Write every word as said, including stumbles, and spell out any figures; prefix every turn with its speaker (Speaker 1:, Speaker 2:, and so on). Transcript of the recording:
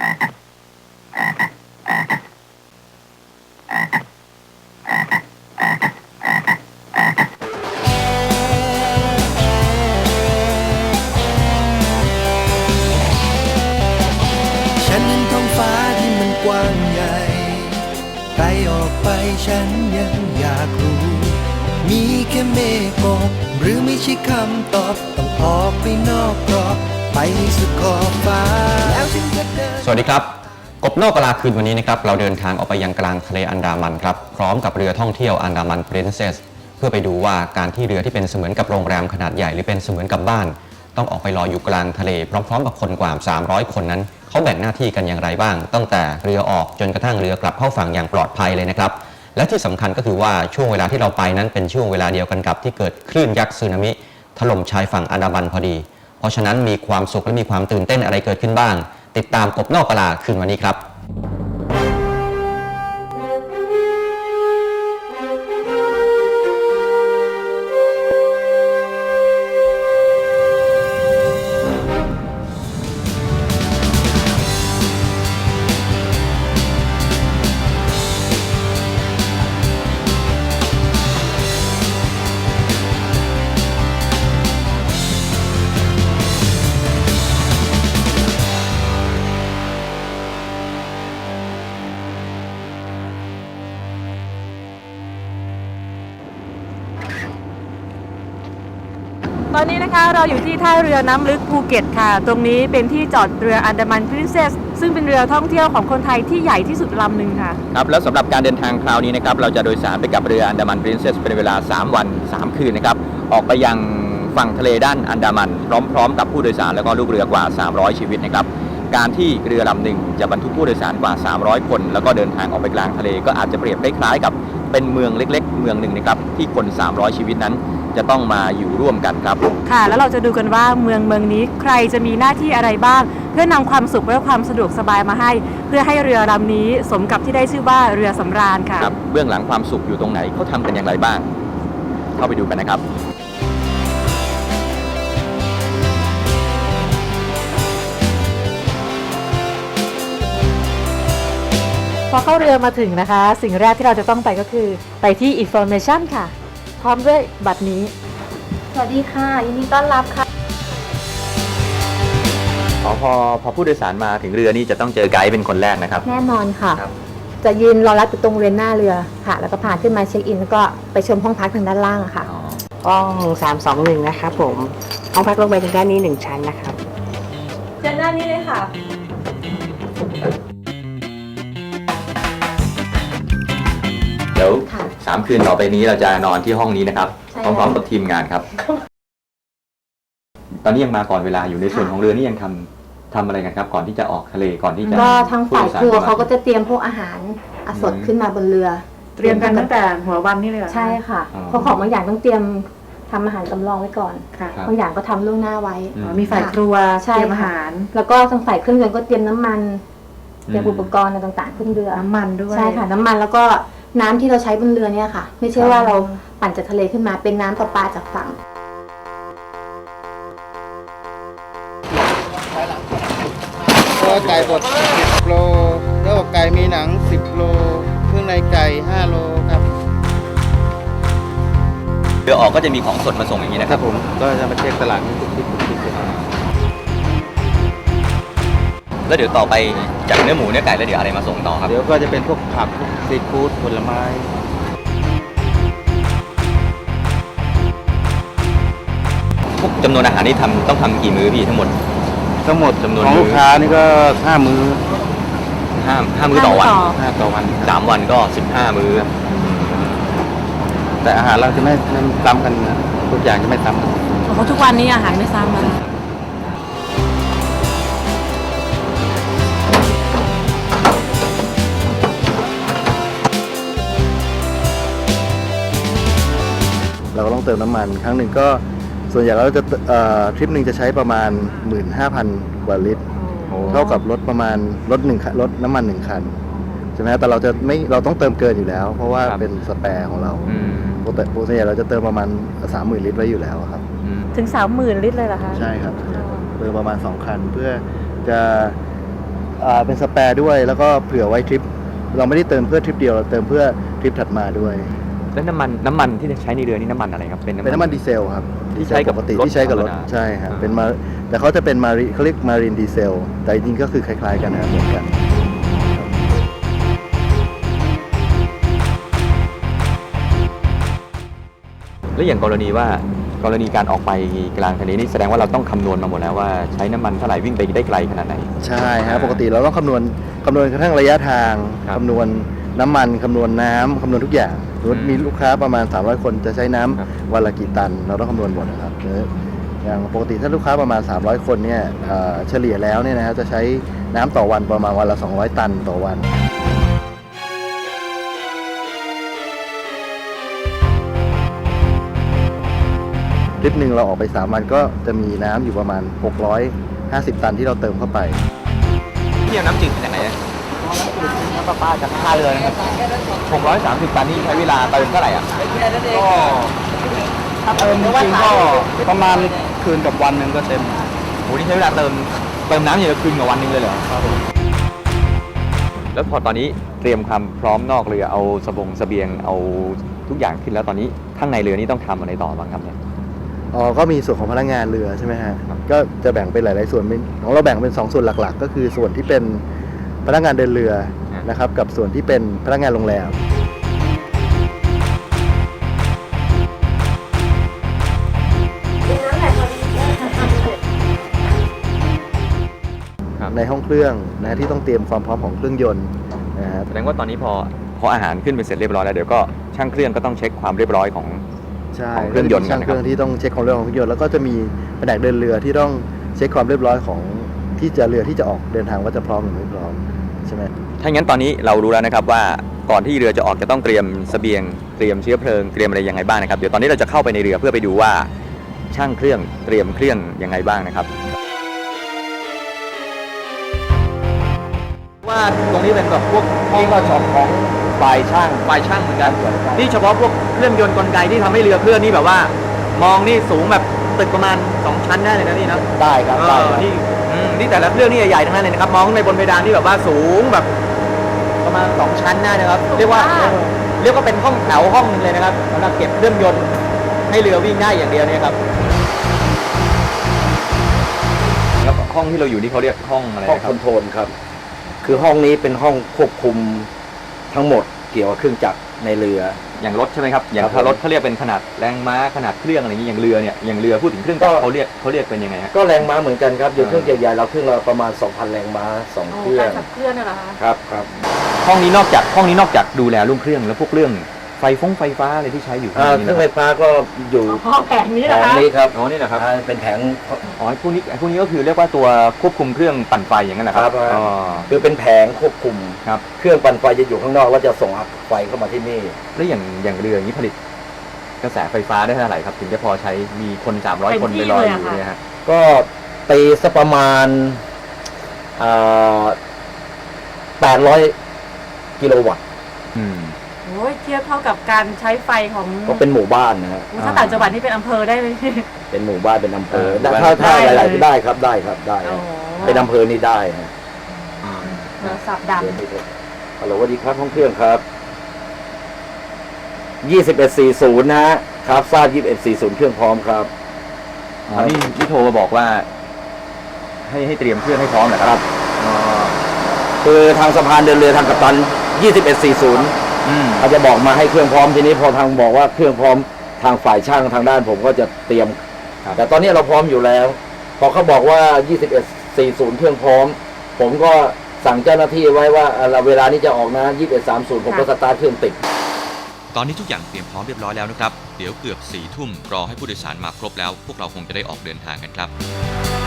Speaker 1: ฉันเห็นท้องฟ้าที่มันกว้างใหญ่ไกลออกไปฉันยังอยากรู้มีแค่เมฆกบหรือไม่ใช่คำตอบต้องออกไปนอกกรอบไปสุดขอบฟ้าแล้วฉันจะเดิน
Speaker 2: สวัสดีครับกบนอกกลาคืนวันนี้นะครับเราเดินทางออกไปยังกลางทะเลอันดามันครับพร้อมกับเรือท่องเที่ยวอันดามัน Princess เพื่อไปดูว่าการที่เรือที่เป็นเสมือนกับโรงแรมขนาดใหญ่หรือเป็นเสมือนกับบ้านต้องออกไปลอยอยู่กลางทะเลพร้อมๆกับคนกว่าสามร้อยคนนั้นเขาแบ่งหน้าที่กันอย่างไรบ้างตั้งแต่เรือออกจนกระทั่งเรือกลับเข้าฝั่งอย่างปลอดภัยเลยนะครับและที่สำคัญก็คือว่าช่วงเวลาที่เราไปนั้นเป็นช่วงเวลาเดียวกันกับที่เกิดคลื่นยักษ์สึนามิถล่มชายฝั่งอันดามันพอดีเพราะฉะนั้นมีความสุขและมีความตื่นเต้นอะไรเกิดขึ้นบ้างติดตามกบนอกกลาคืนวันนี้ครับ
Speaker 3: ตอนนี้นะคะเราอยู่ที่ท่าเรือน้ำลึกภูเก็ตค่ะตรงนี้เป็นที่จอดเรืออันดามัน Princess ซึ่งเป็นเรือท่องเที่ยวของคนไทยที่ใหญ่ที่สุดลำหนึ่งค่ะ
Speaker 4: ครับแล้วสำหรับการเดินทางคราวนี้นะครับเราจะโดยสารไปกับเรืออันดามัน Princess เป็นเวลาสามวันสามคืนนะครับออกไปยังฝั่งทะเลด้านอันดามันพร้อมๆกับผู้โดยสารแล้วก็ลูกเรือกว่าสามร้อยชีวิตนะครับการที่เรือลำหนึ่งจะบรรทุกผู้โดยสารกว่าสามร้อยคนแล้วก็เดินทางออกไปกลางทะเลก็อาจจะเปรียบคล้ายๆกับเป็นเมืองเล็กๆเมืองหนึ่งนะครับที่คนสามร้อยชีวิตนั้นจะต้องมาอยู่ร่วมกันครับ
Speaker 3: ค่ะแล้วเราจะดูกันว่าเมืองเมืองนี้ใครจะมีหน้าที่อะไรบ้างเพื่อนำความสุขและความสะดวกสบายมาให้เพื่อให้เรือลำนี้สมกับที่ได้ชื่อว่าเรือสำราญค่ะ
Speaker 4: ครับเบื้องหลังความสุขอยู่ตรงไหนเขาทำกันอย่างไรบ้างเข้าไปดูกันนะครับ
Speaker 3: พอเข้าเรือมาถึงนะคะสิ่งแรกที่เราจะต้องไปก็คือไปที่ Information ค่ะพร้อมด้วยบัตรนี้สวัสดีค่ะยินดีต้อนรับค่ะ
Speaker 4: พอพอพอผู้โดยสารมาถึงเรือนี่จะต้องเจอไกด์เป็นคนแรกนะครับ
Speaker 5: แน่นอนค่ะจะยืนรอรับอยู่ตรงบริเวณหน้าเรือค่ะแล้วก็พาขึ้นมาเช็คอินแล้วก็ไปชมห้องพักทางด้านล่างค่ะ
Speaker 6: ห้องสามสองหนึ่งนะครับผมห้องพักลงไปทางด้านนี้หนึ่งชั้นนะครับ
Speaker 3: เชิญด้านนี้เลยค่ะ
Speaker 4: เดี๋ยวสามคืนต่อไปนี้เราจะนอนที่ห้องนี้นะครับพร้อมๆกับทีมงานครับตอนนี้ยังมาก่อนเวลาอยู่ในส่วนของเรือนี่ยังทำทำอะไรกันครับก่อนที่จะออกทะเลก่อนที่จะ
Speaker 5: ก็ทางฝ่ายครัวเขาก็จะเตรียมพวกอาหารสดขึ้นมาบนเรือ
Speaker 3: เตรียมกันตั้งแต่หัววันนี่เลย
Speaker 5: ใช่ค่ะเพราะของบางอย่างต้องเตรียมทำอาหารสำรองไว้ก่อนบางอย่างก็ทำล่วงหน้าไว้
Speaker 3: มีฝ่ายครัวเตรียมอาหาร
Speaker 5: แล้วก็ทางฝ่ายเครื่องยนต์ก็เตรียมน้ำมันเตรียมอุปกรณ์ต่างๆขึ้นเรือ
Speaker 3: น้ำมันด้วย
Speaker 5: ใช่ค่ะน้ำมันแล้วก็น้ำที่เราใช้บนเรือเนี่ยค่ะไม่ใช่ว่าเราปั่นจากทะเลขึ้นมาเป็นน้ำประปาจากฝั่ง
Speaker 7: ตัวไก่บดสิบโลเนื้ออกไก่มีหนังสิบโลเครื่องในไก่ห้าโลครับ
Speaker 4: เรือออกก็จะมีของสดมาส่งอย่างนี้นะครับ
Speaker 7: ผมก็จะมาเช็คตลาดทุกทิศทุกทิศ
Speaker 4: แล้วเดี๋ยวต่อไปจากเนื้อหมูเนื้อไก่แล้วเดี๋ยวอะไรมาส่งต่อครับ
Speaker 7: เดี๋ยวก็จะเป็นพวกผักพวกซีฟู้ดผลไม้
Speaker 4: พวกจำนวนอาหารนี่ทำต้องทำกี่มื้อพี่ทั้งหมด
Speaker 7: ทั้งหมดจำนวนของลูกค้านี่ก็ห้ามื้อ
Speaker 4: ห้าห้ามื้อต่อวัน
Speaker 7: ห้าต่อวัน
Speaker 4: สามวันก็สิบห้ามื้อ
Speaker 7: แต่อาหารเราจะไม่ไม่ซ้ำกันนะทุกอย่างจะไม่ซ้ำกัน
Speaker 3: เพราะทุกวันนี้อาหารไม่ซ้ำกัน
Speaker 7: เราก็ต้องเติมน้ำมันครั้งหนึ่งก็ส่วนใหญ่เราจะทริปหนึ่งจะใช้ประมาณ หนึ่งหมื่นห้าพัน กว่าลิตรเท่ากับรถประมาณรถหนึ่งรถน้ำมันหนึ่งคันใช่ไหมแต่เราจะไม่เราต้องเติมเกินอยู่แล้วเพราะว่าเป็นสแปร์ของเราปกติปกติเราจะเติมประมาณ สามหมื่น ลิตรไว้อยู่แล้วครับ
Speaker 3: ถึง สามหมื่น ลิตรเลยเหรอคะ
Speaker 7: ใช่ครับเติมประมาณสองคันเพื่อจะอ่าเป็นสแปร์ด้วยแล้วก็เผื่อไว้ทริปเราไม่ได้เติมเพื่อทริปเดียวเราเติมเพื่อทริปถัดมาด้วย
Speaker 4: แล้วน้ำมันน้ำมันที่ใช้ในเรือนี่น้ำมันอะไรครับ
Speaker 7: เป็นน้ำมันดีเซลครับ
Speaker 4: ที่ใช้กับ
Speaker 7: ปกติ
Speaker 4: รถ
Speaker 7: ที่ใช้กับรถ
Speaker 4: ธรรมดา
Speaker 7: ใช่ครับ
Speaker 4: อ่า
Speaker 7: เป็นมาแต่เขาจะเป็นมารีเขาเรียกมารีนดีเซลแต่จริงๆก็คือคล้ายๆกันนะครับเหมือนกัน
Speaker 4: แล้วอย่างกรณีว่ากรณีการออกไปกลางทะเลนี่แสดงว่าเราต้องคำนวณมาหมดแล้วว่าใช้น้ำมันเท่าไหร่วิ่งไปได้ไกลขนาดไหน
Speaker 7: ใช่ฮะปกติเราต้องคำนวณคำนวณกระทั่งระยะทาง
Speaker 4: ครับ
Speaker 7: คำนวณน้ำมันคำนวณน้ำคำนวณทุกอย่างสมมติ
Speaker 4: อืม
Speaker 7: มีลูกค้าประมาณสามร้อยคนจะใช้น้ำ
Speaker 4: ครับ
Speaker 7: วันละกี่ตัน เราต้องคำนวณหมดนะครับหรืออย่างปกติถ้าลูกค้าประมาณสามร้อยคนเนี่ยเอ่อเฉลี่ยแล้วเนี่ยนะฮะจะใช้น้ำต่อวันประมาณวันละสองร้อยตันต่อวัน ทริปหนึ่งเราออกไปสามวันก็จะมีน้ำอยู่ประมาณหกร้อยห้าสิบตันที่เราเติมเข้าไป
Speaker 4: ที่เอาน้ำจืดมาจากไหนอะน้ำประปาจากท่าเรือนะครับหกร้อยสามสิบตันนี่ใช้เวลาเติมเท่าไหร่อ่ะ
Speaker 7: ก็ถ้าเติมจริงๆก็ประมาณคืนกับวันหนึ่งก็เต็ม
Speaker 4: โหนี่ใช้เวลาเติมเติมน้ำอย่างละคืนกับวันหนึงเลยเหรอ
Speaker 7: ครับผม
Speaker 4: แล้วพอตอนนี้เตรียมความพร้อมนอกเรือเอาสบงเสบียงเอาทุกอย่างขึ้นแล้วตอนนี้ข้างในเรือนี่ต้องทำอะไรต่อบ้างครับเนี่ย
Speaker 7: อ๋อก็มีส่วนของพนักงานเรือใช่ไหมฮะก็จะแบ่งเป็นหลายๆส่วนเป็นของเราแบ่งเป็นสองส่วนหลักๆ ก็คือส่วนที่เป็นพนักงานเดินเรือนะครับกับส่วนที่เป็นพนักงานโรงแรม
Speaker 4: ครับ
Speaker 7: ในห้องเครื่องนะที่ต้องเตรียมความพร้อมของเครื่องยนต์นะครับ
Speaker 4: แสดงว่าตอนนี้พอพออาหารขึ้นไปเสร็จเรียบร้อยแล้วเดี๋ยวก็ช่างเครื่องก็ต้องเช็คความเรียบร้อยของ
Speaker 7: ใช่
Speaker 4: ของเครื่องยนต์
Speaker 7: ช่างเครื่องที่ต้องเช็คความเรียบร้อยของเครื่องยนต์แล้วก็จะมีแผนกเดินเรือที่ต้องเช็คความเรียบร้อยของที่จะเรือที่จะออกเดินทางว่าจะพร้อมหรือไม่พร้อมใช่ไหม
Speaker 4: ถ้างั้นตอนนี้เรารู้แล้วนะครับว่าก่อนที่เรือจะออกจะต้องเตรียมเสบียงเตรียมเชื้อเพลิงเตรียมอะไรยังไงบ้างนะครับเดี๋ยวตอนนี้เราจะเข้าไปในเรือเพื่อไปดูว่าช่างเครื่องเตรียมเครื่องยังไงบ้างนะครับว่าตรงนี้เป็นแบบพวกนี่ก็ช็อปของฝ่ายช่างฝ่ายช่างเหมือนกันนี่เฉพาะพวกเครื่องยนต์กลไกที่ทำให้เรือเคลื่อนนี่แบบว่ามองนี่สูงแบบตึกประมาณสองชั้นได้เลยนะนี่นะ
Speaker 7: ได้ครับได้ครับ
Speaker 4: นี่อืมนี่แต่ละเครื่องนี่ใหญ่ๆทั้งนั้นเลยนะครับมองในบนเพดานนี่แบบว่าสูงแบบประมาณสองชั้นได้นะครับ เรียกว่าเรียกว่าเป็นห้องแถวห้องนึงเลยนะครับสำหรับเก็บเครื่องยนต์ให้เรือวิ่งได้อย่างเดียวเนี่ยครับแล้วห้องที่เราอยู่นี่เขาเรียกห้องอะไร
Speaker 8: ห้อง
Speaker 4: นะค
Speaker 8: ครับ อนโทรลครับ คือห้องนี้เป็นห้องควบคุมทั้งหมดเกี่ยวกับเครื่องจักรในเรือ
Speaker 4: อย่างรถใช่ไหมครับอย่าง
Speaker 8: ครับ
Speaker 4: ถ้ารถเขาเรียกเป็นขนาดแรงม้าขนาดเครื่องอะไรอย่างนี้อย่างเรือเนี่ยอย่างเรือพูดถึงเครื่องจักร
Speaker 8: ก็
Speaker 4: เขาเรียกเขาเรียกเป็นยังไงฮะ
Speaker 8: ก็แรงม้าเหมือนกันครับอย่าง
Speaker 4: อ่า
Speaker 8: เครื่องใหญ่ๆเราเครื่องเราประมาณ สองพัน แรงม้าสองเครื่อง
Speaker 3: การขับเคลื่อนน่ะเหรอคะ
Speaker 8: ครับครับ
Speaker 4: ห้องนี้นอกจากห้องนี้นอกจากดูแลเรื่องเครื่องแล้วพวกเรื่องไฟฟงไฟฟ้าอะไรที่ใช้อยู่
Speaker 8: อ่าเครื่องไฟฟ้าก็อยู่
Speaker 3: ห้องแผงนี้
Speaker 8: แผ
Speaker 3: นะ
Speaker 8: ง
Speaker 3: คะ
Speaker 8: นี้ครับ
Speaker 4: อ๋อนี่นะครับ
Speaker 8: อ่าเป็นแผง
Speaker 4: อ๋อพวกนี้พวกนี้ก็คือเรียกว่าตัวควบคุมเครื่องปั่นไฟอย่างนั้นนะค
Speaker 8: ครั
Speaker 4: รับบ อ๋อ
Speaker 8: คือเป็นแผงควบคุม
Speaker 4: ครับ
Speaker 8: เครื่องปั่นไฟจะอยู่ข้างนอกแล้วจะส่งไฟเข้ามาที่นี่
Speaker 4: แล้วอย่างอย่างเรืออย่างนี้ผลิตกระแสไฟฟ้าได้เท่าไหร่ครับถึงจะพอใช้มีคนสามร้อยคนไปลอยอยู่เนี่ยฮะ
Speaker 8: ก็ตีสักประมาณอ่าแปดร้อยกิโลวัตต์
Speaker 4: อืม
Speaker 3: โอ้ยเทียบเท่ากับการใช้ไฟของ
Speaker 8: ก็เป็นหมู่บ้านนะฮะ
Speaker 3: อุ๊ยถ้าต่างจังหวัดนี่เป็นอำเภอได้เลย
Speaker 8: เป็นหมู่บ้านเป็นอำเภอ
Speaker 4: เออ
Speaker 8: ถ้าถ้า
Speaker 3: ได้
Speaker 8: หลาย
Speaker 3: เลย
Speaker 8: ๆได้ครับได้ครับได้ค
Speaker 3: โอ้
Speaker 8: รับ
Speaker 3: โห
Speaker 8: เป็นอำเภอนี่ได้นะ
Speaker 3: โทรศัพท์ดัง
Speaker 8: ฮัลโหลสวัสดีครับห้องเครื่องครับยี่สิบเอ็ดสี่ศูนย์นะฮะครับทราบยี่สิบเอ็ดสี่ศูนย์เครื่องพร้อมครับ
Speaker 4: อ๋อนี่นี่โทรมาบอกว่า ให้ให้เตรียมเครื่องให้พร้อมเหรอครับอ๋อ
Speaker 8: คือทางสะพานเดินเรือทางกัปตันยี่สิบเอ็ดสี่ศูนย์
Speaker 4: อืม
Speaker 8: เขาจะบอกมาให้เครื่องพร้อมทีนี้พอทางบอกว่าเครื่องพร้อมทางฝ่ายช่างทางด้านผมก็จะเตรียม
Speaker 4: ครับ
Speaker 8: แต่ตอนนี้เราพร้อมอยู่แล้ว พอเขาบอกว่ายี่สิบเอ็ดสี่ศูนย์เครื่องพร้อม ผมก็สั่งเจ้าหน้าที่ไว้ว่าเอ่อเวลานี้จะออกนะยี่สิบเอ็ดสามศูนย์ผมก็สตาร์ทเครื่องติด
Speaker 9: ตอนนี้ทุกอย่างเตรียมพร้อมเรียบร้อยแล้วนะครับ เดี๋ยวเกือบสี่ทุ่มรอให้ผู้โดยสารมาครบแล้ว พวกเราคงจะได้ออกเดินทางกันครับ